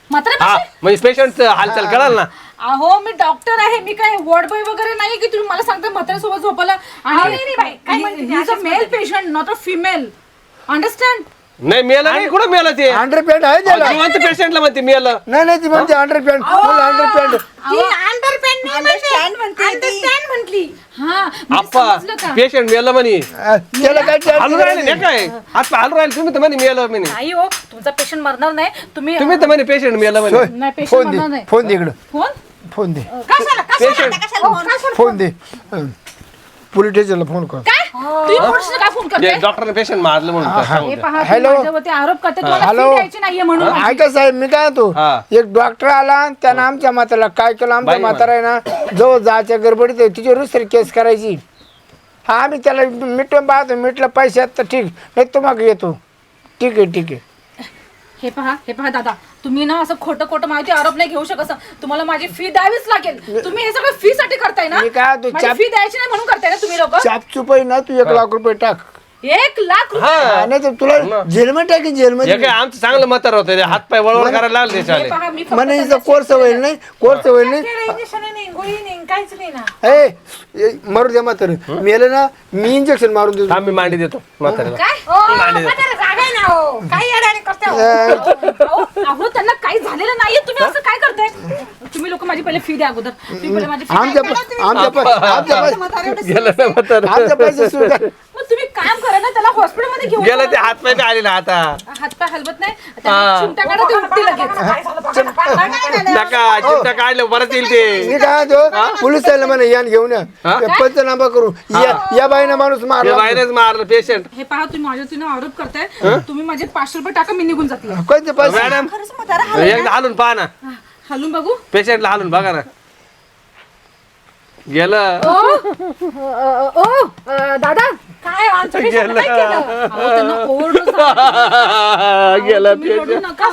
[SPEAKER 6] म्हातारे
[SPEAKER 3] हा म्हणजे पेशंट हालचाल कळाल ना.
[SPEAKER 6] अहो मी डॉक्टर आहे, मी काय वॉर्ड बॉय वगैरे नाही की तुम्ही मला सांगता म्हाताऱ्यासोबत झोपायला. आणि male patient not a female, understand?
[SPEAKER 3] नाही मेलं नाही, कुठं मेलं ते
[SPEAKER 2] अंडरपॅन्ट आहे त्याला.
[SPEAKER 3] जिवंत पेशंटला म्हणते मेलं.
[SPEAKER 2] नाही नाही ती म्हणते अंडरपॅन्ट, फुल अंडरपॅन्ट.
[SPEAKER 4] ती अंडरपॅन्ट नाही
[SPEAKER 5] Understand म्हणते ती.
[SPEAKER 4] अंडरस्टँड म्हटली.
[SPEAKER 6] हा म्हणजे
[SPEAKER 3] आप्पा
[SPEAKER 6] समजलं का?
[SPEAKER 3] पेशंट मेलं म्हणे.
[SPEAKER 2] त्याला काय charge
[SPEAKER 3] हालू राहिले
[SPEAKER 2] करायचं?
[SPEAKER 3] नाही काय आज हालू राहिले तुम्ही तर म्हणे मेलं म्हणे.
[SPEAKER 6] नाही हो, तुमचा पेशंट मरणार नाही. तुम्ही
[SPEAKER 3] तुम्ही तर म्हणे पेशंट मेलं म्हणे.
[SPEAKER 6] नाही पेशंट
[SPEAKER 2] फोन
[SPEAKER 6] मरणार
[SPEAKER 2] दे,
[SPEAKER 6] नाही.
[SPEAKER 2] फोन दे इकडं,
[SPEAKER 6] फोन
[SPEAKER 2] फोन दे,
[SPEAKER 4] कशाला
[SPEAKER 3] पेशंट
[SPEAKER 5] कशाला फोन?
[SPEAKER 2] फोन दे. पोलीस स्टेशनला फोन कर.
[SPEAKER 6] काय तुम्ही पोलिसांना काय फोन करते?
[SPEAKER 3] डॉक्टरने पेशंट मारलं म्हणून तर सांगू
[SPEAKER 6] हे
[SPEAKER 3] द्या.
[SPEAKER 6] पहा, तुम्ही
[SPEAKER 2] हॅलो.
[SPEAKER 6] माझ्यावरती आरोप करते, तुम्हाला
[SPEAKER 2] हॅलो.
[SPEAKER 6] फी द्यायची नाहीये म्हणून.
[SPEAKER 2] ऐका साहेब, मी काय होतो,
[SPEAKER 3] हा.
[SPEAKER 2] एक डॉक्टर आला, त्यानं आमच्या म्हाताला काय केलं, आमच्या
[SPEAKER 3] बाई
[SPEAKER 2] म्हातारा आहे ना जवळ जायच्या गडबडीत तिच्यावर दुसरी केस करायची. हा आम्ही त्याला मिटून पाहतो, मिटलं पैसे आहेत तर ठीक, नाही तुम्हाला येतो. ठीक आहे ठीक आहे.
[SPEAKER 6] हे पहा हे पहा दादा, तुम्ही ना असं खोटं खोटं माहिती आरोप नाही घेऊ शकत. तुम्हाला माझी फी द्यावीच लागेल. तुम्ही हे सगळं फी साठी करताय ना?
[SPEAKER 2] मी काय होतो,
[SPEAKER 6] माझी
[SPEAKER 2] चाप-
[SPEAKER 6] फी द्यायची नाही म्हणून करताय ना तुम्ही लोक?
[SPEAKER 2] चापचूप आहे ना, तू एक लाख रुपये टाक.
[SPEAKER 6] एक लाख रुपये?
[SPEAKER 3] हा
[SPEAKER 2] नाही तर तुला जेलमध्ये टाकी,
[SPEAKER 3] हे
[SPEAKER 2] जेलमध्ये.
[SPEAKER 3] काय आमचं चांगलं म्हातार होतं हात पाय वळवळ करायला लागले
[SPEAKER 6] हे
[SPEAKER 3] त्याच्यावाले.
[SPEAKER 6] पहा, मी फक्त
[SPEAKER 2] म्हणे
[SPEAKER 6] त्यांना
[SPEAKER 2] हिचं कोर्स होईल नाही, कोर्स होईल नाही.
[SPEAKER 4] इंजेक्शन नाही, गोळी नाही, काहीच नाही ना.
[SPEAKER 2] ए ए, मारू द्या म्हातारे, मेलं ना मी इंजेक्शन मारून देतो.
[SPEAKER 3] आम्ही मांडी देतो म्हाताऱ्याला.
[SPEAKER 6] काय?
[SPEAKER 4] ओ, म्हातारा जागा आहे ना हो. काही अडाणी करते हो.
[SPEAKER 6] अहो अहो, त्यांना काही झालेलं नाहीये, तुम्ही असं काय करताय? तुम्ही लोक माझी पहिले फी द्या अगोदर. तुम्ही पहिले माझी फी
[SPEAKER 2] आमच्या आमच्या पै- आमच्या पै-
[SPEAKER 3] गेलं ना म्हातारं.
[SPEAKER 2] आमच्या पैसे स्वीकार.
[SPEAKER 6] मग तुम्ही काम करा ना, त्याला हॉस्पिटलमध्ये घेऊन
[SPEAKER 3] गेलं
[SPEAKER 6] जा.
[SPEAKER 3] ते हात पाय बी आले ना आता.
[SPEAKER 6] हातपाय हलवत नाही, त्यांना चिमटा काढा, ते उठते लगेच.
[SPEAKER 3] नका चिमटा काढलं परत येईल ते.
[SPEAKER 2] मी काय म्हणतो, पोलीस आले म्हणे यान घेऊन या, पंचनामा करू. या या बाईनं माणूस
[SPEAKER 3] ते
[SPEAKER 2] मारला.
[SPEAKER 3] बाहेरच मारलं पेशंट.
[SPEAKER 6] हे पहा, तुम्ही माझ्यातून आरोप करताय. तुम्ही माझे पाचशे रुपये टाका, मी निघून जाते.
[SPEAKER 2] कोणते पैसे?
[SPEAKER 3] मॅडम
[SPEAKER 5] खरंच म्हातारा
[SPEAKER 3] एकदा हालून पहा ना,
[SPEAKER 6] हलून बघू.
[SPEAKER 3] पेशंटला हालून बघा ना. गेलं
[SPEAKER 6] ओ ओ, ओ, दादा काय आमच्या patient ला काय केलं? अहो, त्यांना overdose झाला.
[SPEAKER 3] गेलं
[SPEAKER 6] तुम्ही रडू
[SPEAKER 3] पेशंट.
[SPEAKER 6] नका.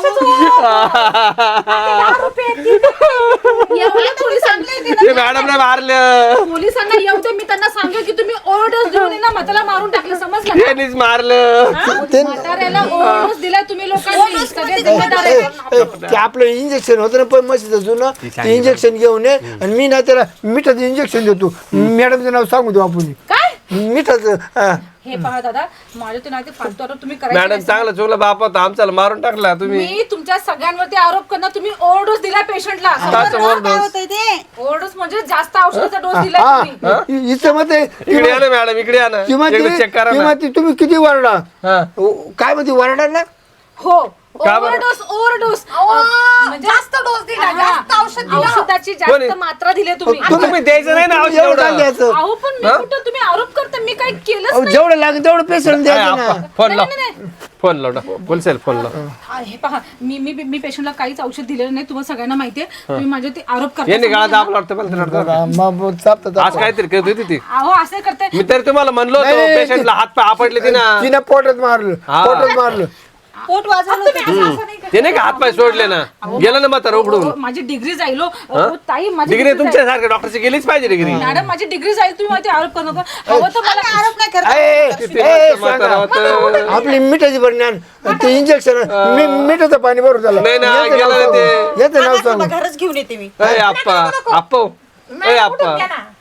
[SPEAKER 6] एवढं पोलिसांना
[SPEAKER 3] ते मॅडमने मारलं,
[SPEAKER 6] पोलिसांना येऊ दे, मी त्यांना सांगेल की तुम्ही ओव्हरडोस देऊन आहे ना म्हाताला मारून टाकलं, समजलं का?
[SPEAKER 3] त्यांनीच मारलं.
[SPEAKER 6] म्हाताऱ्याला ओव्हरडोस दिलाय तुम्ही लोकांनी, सगळे जिम्मेदार
[SPEAKER 2] ए,
[SPEAKER 6] आहे.
[SPEAKER 2] ए, ते आपलं इंजेक्शन होतं ना पण म्हशीचं जुनं, ते इंजेक्शन घेऊन ये आणि मी ना त्याला मिठाचं इंजेक्शन देतो. मॅडमचं नाव सांगू देऊ आपण.
[SPEAKER 6] काय
[SPEAKER 2] मिठाचं हा.
[SPEAKER 6] हे पहा दादा, माझ्या ते नाही फालतू आरोप तुम्ही करायचे
[SPEAKER 3] मॅडम
[SPEAKER 6] नाही.
[SPEAKER 3] चांगलं चुकलं बापा होता आमच्याला मारून टाकला तुम्ही.
[SPEAKER 6] मी तुमच्या सगळ्यांवरती आरोप करणार, तुम्ही ओव्हरडोस दिलाय पेशंटला.
[SPEAKER 3] ताचं overdose.
[SPEAKER 5] होतंय ते
[SPEAKER 6] ओव्हरडोस म्हणजे जास्त औषधाचा डोस दिलाय
[SPEAKER 2] हा
[SPEAKER 6] तुम्ही.
[SPEAKER 2] इथं मग ते
[SPEAKER 3] इकडे या ना मॅडम, इकडे या ना,
[SPEAKER 2] किंवा
[SPEAKER 3] एकदा चेक करा ना.
[SPEAKER 2] किंवा तुम्ही किती वरडा,
[SPEAKER 3] हा.
[SPEAKER 2] काय म्हणते वरडा ना.
[SPEAKER 6] हो,
[SPEAKER 3] का बरं?
[SPEAKER 6] ओव्हरडोस ओव्हरडोस
[SPEAKER 4] म्हणजे जास्त डोस दिला, जास्त औषध दिलं.
[SPEAKER 6] औषधाची
[SPEAKER 3] कोणी?
[SPEAKER 6] जास्त मात्रा दिली तुम्ही.
[SPEAKER 3] तुम्ही द्यायचं नाही ना औषध
[SPEAKER 2] एवढं
[SPEAKER 3] एवढं.
[SPEAKER 2] काय घ्यायचं?
[SPEAKER 6] अहो पण मी कुठं, तुम्ही आरोप करता, मी काही केलंच
[SPEAKER 2] अहो,
[SPEAKER 6] नाही.
[SPEAKER 2] जेवढं लागेल तेवढं पेशंट द्यायचं ना.
[SPEAKER 3] फोन लाव,
[SPEAKER 6] नाही, नाही,
[SPEAKER 3] फोन लाव, बोलसेल फोन लाव.
[SPEAKER 6] आ, हे पहा, मी मी मी पेशंटला काहीच औषध दिलेलं नाही, तुम्हाला सगळ्यांना माहितीये. तुम्ही माझे ते आरोप
[SPEAKER 3] यांनी
[SPEAKER 6] करता.
[SPEAKER 3] गाळा दाबला वाटतं मला तर वाटतं.
[SPEAKER 2] मग चापतं
[SPEAKER 3] आज
[SPEAKER 2] चापतं.
[SPEAKER 3] काहीतरी करत होती ती.
[SPEAKER 6] अहो असं करताय.
[SPEAKER 3] मी तरी तुम्हाला म्हणलो
[SPEAKER 2] नाही,
[SPEAKER 3] होतो
[SPEAKER 2] नाही,
[SPEAKER 3] पेशंटला हात पाय आपटले ती ना.
[SPEAKER 2] तिनं पोटात मारलं,
[SPEAKER 3] हा.
[SPEAKER 2] पोटात मारलं.
[SPEAKER 5] पोट वाजवलं होतं.
[SPEAKER 3] ते नाही का हात पाय सोडले ना, गेलं ना म्हातारं उघडून.
[SPEAKER 6] अहो, माझी डिग्री जाईल हो. अहो, ताई माझी
[SPEAKER 3] डिग्री
[SPEAKER 6] degree
[SPEAKER 3] तुमच्या सारख्या डॉक्टरची गेलीच पाहिजे डिग्री.
[SPEAKER 6] जाईल. मॅडम माझी डिग्री जाईल, तुम्ही माझे आरोप करू नका. हवं तर मला
[SPEAKER 5] आरोप नाही करत.
[SPEAKER 2] ए,
[SPEAKER 3] किती
[SPEAKER 2] ए,
[SPEAKER 3] मस्त म्हातारं
[SPEAKER 2] सांगा.
[SPEAKER 3] होतं.
[SPEAKER 2] आपली मिठाची परिणाम ते इंजेक्शन मिठाचं पाणी भरून झालं.
[SPEAKER 3] नाही ना,
[SPEAKER 2] याचं
[SPEAKER 3] गेलं
[SPEAKER 2] नाव
[SPEAKER 3] ना ते.
[SPEAKER 2] सांगू. याचं नाव
[SPEAKER 5] थांबा,
[SPEAKER 2] सांगू.
[SPEAKER 5] थांबा, घरच घेऊन येते मी.
[SPEAKER 3] अय आप्पा आप्पा अय आप्पा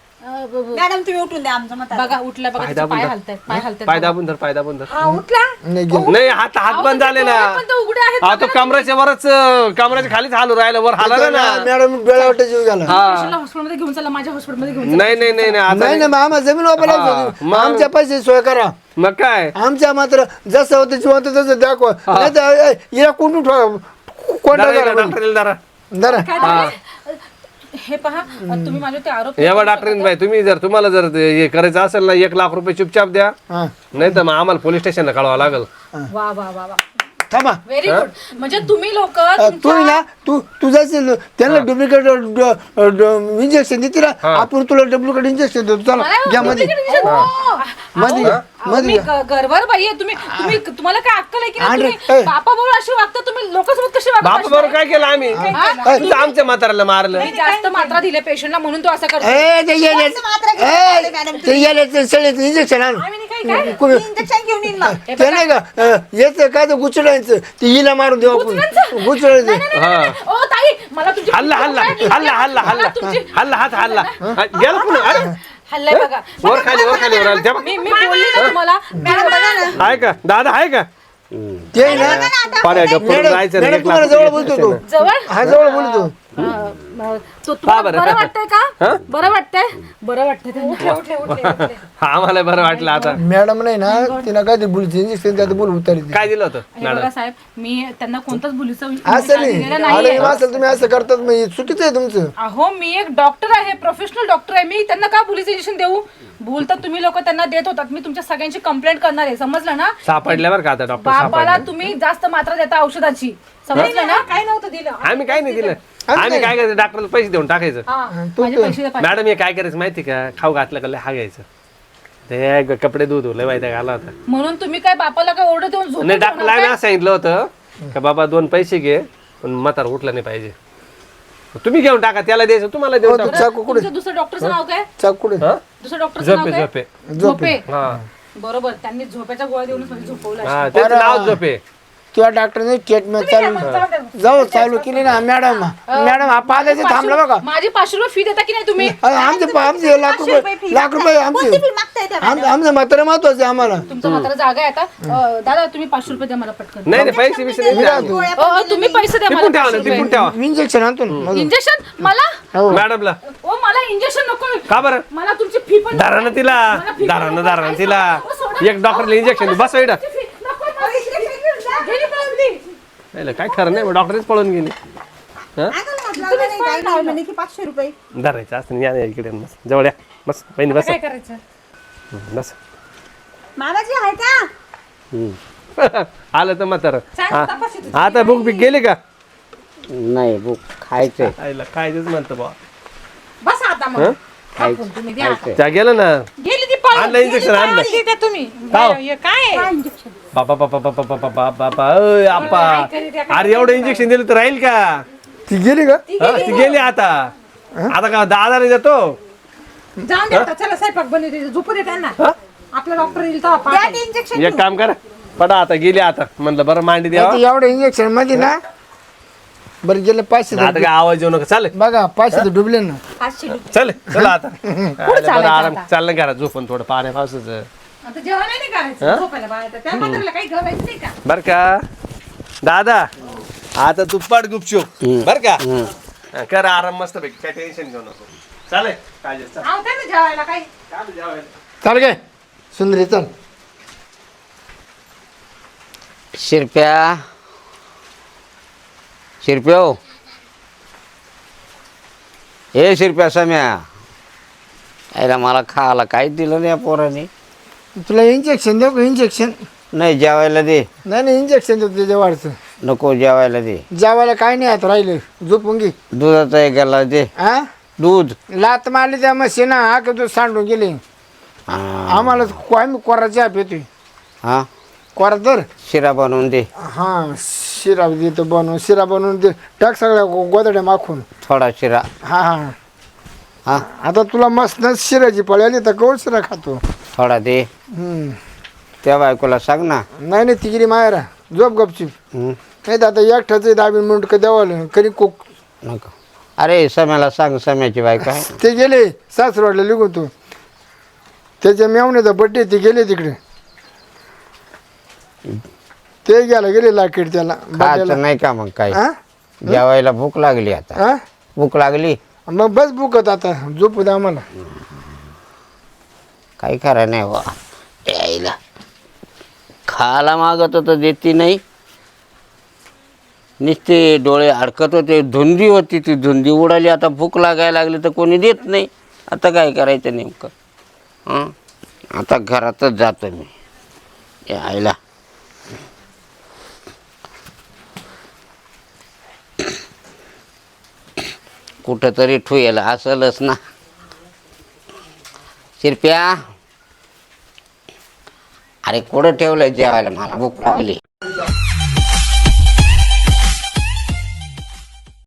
[SPEAKER 5] मॅडम तुम्ही उठून द्या आमचं म्हातारा.
[SPEAKER 6] बघा उठला बघा,
[SPEAKER 3] पाय
[SPEAKER 6] त्याचे
[SPEAKER 3] दाबून
[SPEAKER 6] पाय
[SPEAKER 3] धर.
[SPEAKER 6] हलतायत, पाय हलतायत.
[SPEAKER 3] पाय दाबून धर, पाय दाबून धर.
[SPEAKER 4] हा, उठला.
[SPEAKER 2] नाही गेलं.
[SPEAKER 3] नाही हात हात बंद झाले ना.
[SPEAKER 6] पण ते उघडे आहेत.
[SPEAKER 3] हा तो कमराच्या वरच कमराच्या खालीच हालू राहिला, वर हालाला ना.
[SPEAKER 2] मॅडम डोळ्यावर जीव गेला.
[SPEAKER 6] पेशंटला हॉस्पिटलमध्ये घेऊन चला, माझ्या हॉस्पिटलमध्ये घेऊन चला.
[SPEAKER 3] नाही नाही नाही नाही, आता
[SPEAKER 2] नाही ना,
[SPEAKER 3] नाही.
[SPEAKER 2] मग आम्हाला जमीन वापरायला
[SPEAKER 3] हा,
[SPEAKER 2] होती.
[SPEAKER 3] मग-
[SPEAKER 2] आमच्या पैसे सोय करा.
[SPEAKER 3] मग काय
[SPEAKER 2] आमच्या मात्र जसं होतं जिवंत तसं दाखवा. नाही तर ए, हिला कुठून ठेवा, कोणता
[SPEAKER 3] जरा
[SPEAKER 2] करा
[SPEAKER 3] डॉक्टर येईल जरा.
[SPEAKER 2] जरा.
[SPEAKER 6] काय झालंय? हे पहा, तुम्ही माझे ते आरोप
[SPEAKER 3] या बा डॉक्टरीन बाई, तुम्ही जर तुम्हाला जर ते हे करायचं असेल ना, एक लाख रुपये चुपचाप द्या,
[SPEAKER 2] हा
[SPEAKER 3] नाही तर मग आम्हाला पोलीस स्टेशनला कळवावं लागेल.
[SPEAKER 6] वा वा वा वा,
[SPEAKER 2] थांबा.
[SPEAKER 6] Very good. म्हणजे तुम्ही लोक
[SPEAKER 2] तू ना तू तुझा त्यांना डुप्लिकेट इंजेक्शन देते ना, आपण तुला डुप्लिकेट इंजेक्शन देतो. चला घ्या मध्ये मध्ये घ्या, मध्ये
[SPEAKER 6] मी
[SPEAKER 2] घ्या.
[SPEAKER 6] ग- गर्वार बाई आहे तुम्ही. तुम्ही तुम्हाला काय अक्कल आहे की नाही?
[SPEAKER 2] अरे,
[SPEAKER 6] तुम्ही
[SPEAKER 2] ए.
[SPEAKER 6] बापा बरोबर अशी वागता, तुम्ही लोकांसोबत कशी वागता?
[SPEAKER 3] बापा बरोबर काय केलं आम्ही? तुझं आमच्या म्हाताऱ्याला मारलं.
[SPEAKER 6] मी जास्त मात्रा दिल्या पेशंटला म्हणून तो असं करतो.
[SPEAKER 2] ए, ते येले-
[SPEAKER 5] मात्र घेऊन
[SPEAKER 2] ए,
[SPEAKER 5] आले मॅडम
[SPEAKER 2] ते येले- ते सगळ्याचं इंजेक्शन आण.
[SPEAKER 4] आम्ही नाही काही
[SPEAKER 2] कोणी-
[SPEAKER 5] इंजेक्शन घेऊन येईन मग.
[SPEAKER 2] ते नाही का अं, याचं काय ते गुचडायचं ते हिला मारून देऊ आपण गुचडायचं
[SPEAKER 3] हा
[SPEAKER 6] ओ ताई मला तुमची
[SPEAKER 3] हल्ला हल्ला हल्ला हल्ला हल्ला
[SPEAKER 6] तुमची-
[SPEAKER 3] हल्ला हात हल्ला हा, गेला पुन्हा अरे
[SPEAKER 6] हल्लाय बघा
[SPEAKER 3] वर खाली वर खाली वर आलं. त्या बघ.
[SPEAKER 6] मी मी बोलले ना तुम्हाला
[SPEAKER 5] मॅडम बघा ना.
[SPEAKER 3] आहे का दादा आहे का
[SPEAKER 2] ते ना
[SPEAKER 3] पाण्या गप्प करून
[SPEAKER 2] मॅडम
[SPEAKER 3] जायचं रे,
[SPEAKER 2] मॅडम
[SPEAKER 3] एक
[SPEAKER 2] तुम्हाला
[SPEAKER 3] लाख
[SPEAKER 2] जवळ
[SPEAKER 3] रुपये
[SPEAKER 2] बोलतो तो
[SPEAKER 6] जवळ
[SPEAKER 2] हा जवळ बोलतो
[SPEAKER 6] अं, अं, तो तुम्हाला
[SPEAKER 3] बरं?
[SPEAKER 6] बरं वाटतंय का
[SPEAKER 3] हा?
[SPEAKER 6] बरं वाटतंय बरं वाटतंय त्यांना.
[SPEAKER 3] हा आम्हाला बरं वाटलं आता
[SPEAKER 2] मॅडम नाही ना तिला काय ते बोलते इंजेक्शन त्यात बोल उतारी
[SPEAKER 3] काय दिलं होतं
[SPEAKER 6] हे बघा साहेब मी त्यांना कोणताच बुलीचा
[SPEAKER 2] असं नाही
[SPEAKER 6] दिलेला
[SPEAKER 2] आलं
[SPEAKER 6] नाहीये
[SPEAKER 2] असेल तुम्ही असं करतात मग हे चुकीचं आहे तुमचं
[SPEAKER 6] अहो मी एक डॉक्टर आहे प्रोफेशनल डॉक्टर आहे मी त्यांना का बुलीचं इंजेक्शन देऊ भूल तर तुम्ही लोक त्यांना देत होतात मी तुमच्या सगळ्यांची कंप्लेंट करणार आहे समजलं ना
[SPEAKER 3] सापडल्या बरं का आता डॉक्टर
[SPEAKER 6] बाबाला
[SPEAKER 3] सापडले
[SPEAKER 6] तुम्ही जास्त मात्रा देता औषधाची समजलं ना
[SPEAKER 4] काय नव्हतं दिलं
[SPEAKER 3] आम्ही काय नाही दिलं आम्ही काय करायचं डॉक्टरला पैसे देऊन टाकायचं
[SPEAKER 6] हा माझे पैसे द्या पाहिजे.
[SPEAKER 3] मॅडम हे काय करायचं माहिती का खाऊ घातलं का लय हा घ्यायचं ते ग- कपडे दूध लय माहिती घाला होता
[SPEAKER 6] म्हणून तुम्ही काय बापाला काय ऑर्डर देऊन झोपून
[SPEAKER 3] नाही डॉक्टरला
[SPEAKER 6] ठेवणार
[SPEAKER 3] आम्ही
[SPEAKER 6] काय?
[SPEAKER 3] असं सांगितलं होतं का बाबा दोन पैसे घे पण म्हातार उठलं नाही पाहिजे तुम्ही घेऊन टाका त्याला द्यायचं तुम्हाला देऊन
[SPEAKER 2] तू
[SPEAKER 3] टाका
[SPEAKER 2] चाकू कुठे
[SPEAKER 6] तुमचं दुसरं डॉक्टरचं नाव काय
[SPEAKER 2] चाकू कुठे
[SPEAKER 3] हा?
[SPEAKER 6] दुसरं डॉक्टरचं नाव
[SPEAKER 3] झोपे
[SPEAKER 6] काय
[SPEAKER 3] झोपे
[SPEAKER 6] झोपे
[SPEAKER 3] हा
[SPEAKER 6] बरोबर त्यांनी झोपेच्या गोळ्या देऊन म्हणजे झोपवलं
[SPEAKER 3] हा त्याचं नाव झोपे
[SPEAKER 2] तुझ्या डॉक्टरने ट्रीटमेंट चालू जाऊ चालू केली ना मॅडम मॅडम हा पाच थांबला बघा
[SPEAKER 6] माझी पाचशे रुपये फी देता की नाही तुम्ही
[SPEAKER 2] अरे आमचे आमचे लाख रुपये लाख रुपये आमचे
[SPEAKER 5] कोणती fee मागताय त्या
[SPEAKER 2] आम- आमचं म्हातारं महत्वाचं आहे आम्हाला
[SPEAKER 6] तुमचं मात्र जागा आहे आता अं, दादा तुम्ही पाचशे रुपये द्या मला पटकन
[SPEAKER 3] नाही नाही पैसे बिसे नाही द्या.
[SPEAKER 5] गोळ्या
[SPEAKER 6] अं, अं, तुम्ही पैसे द्या
[SPEAKER 3] टिपून
[SPEAKER 6] मला
[SPEAKER 3] ठेवा ना
[SPEAKER 6] पाचशे
[SPEAKER 3] टिपून
[SPEAKER 6] रुपये
[SPEAKER 3] ठेवा
[SPEAKER 2] इंजेक्शन आणतो ना मधून.
[SPEAKER 6] इंजेक्शन मला
[SPEAKER 3] मॅडमला
[SPEAKER 6] ओ मला इंजेक्शन नको
[SPEAKER 3] का बरं
[SPEAKER 6] मला तुमची फी पण
[SPEAKER 3] दारानं तिला दारानं दारानं तिला एक डॉक्टरला इंजेक्शन बस इकडं. नाही काय खरं नाही डॉक्टरच पळून गेली हा
[SPEAKER 5] काय नाव म्हणे की पाचशे रुपये
[SPEAKER 3] धरायचं असं या या इकडे बस जवळ या बस बहिणी बस
[SPEAKER 6] काय करायचं
[SPEAKER 3] हं, बस
[SPEAKER 5] मामाजी आहे का
[SPEAKER 3] हं. आलं तर म्हातारं हा. आता बुक बिक गेली का
[SPEAKER 1] नाही बुक खायचंय
[SPEAKER 3] आईला खायचंच म्हणतं बा
[SPEAKER 4] बस आता मग टाकून तुम्ही द्या आता.
[SPEAKER 3] त्या गेलं ना
[SPEAKER 4] गेली ती पळून.
[SPEAKER 3] आणलं इंजेक्शन आणलं
[SPEAKER 4] आणली त्या तुम्ही
[SPEAKER 3] का?
[SPEAKER 4] हे काय आहे?
[SPEAKER 3] बापा बापा बापा बापा बापा बापा अय आप्पा अरे एवढं इंजेक्शन दिलं तर राहील का
[SPEAKER 2] ती गेली का
[SPEAKER 3] हा, ती गेली आता आता का दहा हजार देतो
[SPEAKER 4] जाऊन दे आता चला स्वयंपाक बनवते झोपू दे त्यांना आपला डॉक्टर येईल तेव्हा
[SPEAKER 5] द्या
[SPEAKER 4] पाहता
[SPEAKER 5] ते
[SPEAKER 4] येईल.
[SPEAKER 5] इंजेक्शन
[SPEAKER 3] एक काम करा पडा आता गेली आता म्हणलं बरं मांडी द्यावा
[SPEAKER 2] ते एवढं इंजेक्शन मध्ये ना बरं गेले पाचशे
[SPEAKER 3] आता काय आवाज येऊ नका चालेल
[SPEAKER 2] बघा पाचशे तर डुबले ना
[SPEAKER 5] पाचशे रुपये
[SPEAKER 3] चल चला आता बरं आराम चाललं करा झोपून थोडं पाण्या पावसाचं
[SPEAKER 4] आता जेवण नाही करायचं झोपायला बाहेर त्या म्हाताऱ्याला काही गरज नाही का
[SPEAKER 3] बर का दादा आता तू पड गुपचूप बर का हा, कर आराम मस्त पैकी काय टेन्शन घेऊ नको चालेल काय जे, चल.
[SPEAKER 4] आहो त्या ना जेवायला काही
[SPEAKER 3] चालेल, जेवायला.
[SPEAKER 2] चाल काय सुंदरी चल
[SPEAKER 1] शिरप्या शिरप्या हो ए शिरप्या सम्या यायला मला खायला काहीच दिलं नाही या पोराने
[SPEAKER 2] तुला इंजेक्शन देऊ का इंजेक्शन
[SPEAKER 1] नाही जेवायला दे
[SPEAKER 2] नाही नाही इंजेक्शन देतो त्याच्या वाढचं
[SPEAKER 1] नको जेवायला दे
[SPEAKER 2] जेवायला काय नाही आता राहिलं झोपून घे
[SPEAKER 1] दुधाचा एक गेला दे
[SPEAKER 2] हा
[SPEAKER 1] दूध
[SPEAKER 2] लात मारली त्या मशीन हा का तू सांडून गेले
[SPEAKER 1] हा
[SPEAKER 2] आम्हाला को- आम्ही कोराची आप येतोय
[SPEAKER 1] हा,
[SPEAKER 2] कोरा तर
[SPEAKER 1] शिरा बनवून दे
[SPEAKER 2] हा शिरा देतो बनवून शिरा बनवून दे टाक सगळ्या गो- गोदड्या माखून
[SPEAKER 1] थोडा शिरा
[SPEAKER 2] हा हा
[SPEAKER 1] हा
[SPEAKER 2] आता तुला मस्त शिराची पळी आली तर कौल शिरा खातो
[SPEAKER 1] थोडा दे
[SPEAKER 2] हम्म.
[SPEAKER 1] त्या बायकोला सांग ना
[SPEAKER 2] नाही नाही तिगिरी मायरा झोप गपचीप
[SPEAKER 1] हं,
[SPEAKER 2] नाही तर आता एकठाच दाबीन म्हणून का द्यावं कधी कोक
[SPEAKER 1] नको अरे सम्याला सांग सम्याची बायको आहे
[SPEAKER 2] ते गेले सासरवाडला लिहून तू त्याच्या मेवण्याचा बड्डे ते गेले तिकडे ते गेला गेले लाकीड त्याला
[SPEAKER 1] खायचं
[SPEAKER 2] birthday
[SPEAKER 1] नाही का मग काही
[SPEAKER 2] ला.
[SPEAKER 1] जेवायला भूक लागली आता
[SPEAKER 2] हा? हा?
[SPEAKER 1] भूक लागली
[SPEAKER 2] मग बस बुकत आता झोपू द्या आम्हाला
[SPEAKER 1] काही खरं नाही वा यायला खायला मागत होतं देती नाही नुसते डोळे अडकत होते धुंदी होती ती धुंदी उडाली आता भूक लागायला लागली तर कोणी देत नाही आता काय करायचं नेमकं हं आता घरातच जातो मी यायला कुठंतरी ठुयला असलच ना शिरप्या अरे कुठं ठेवलंय जेवायला मला भूक लागली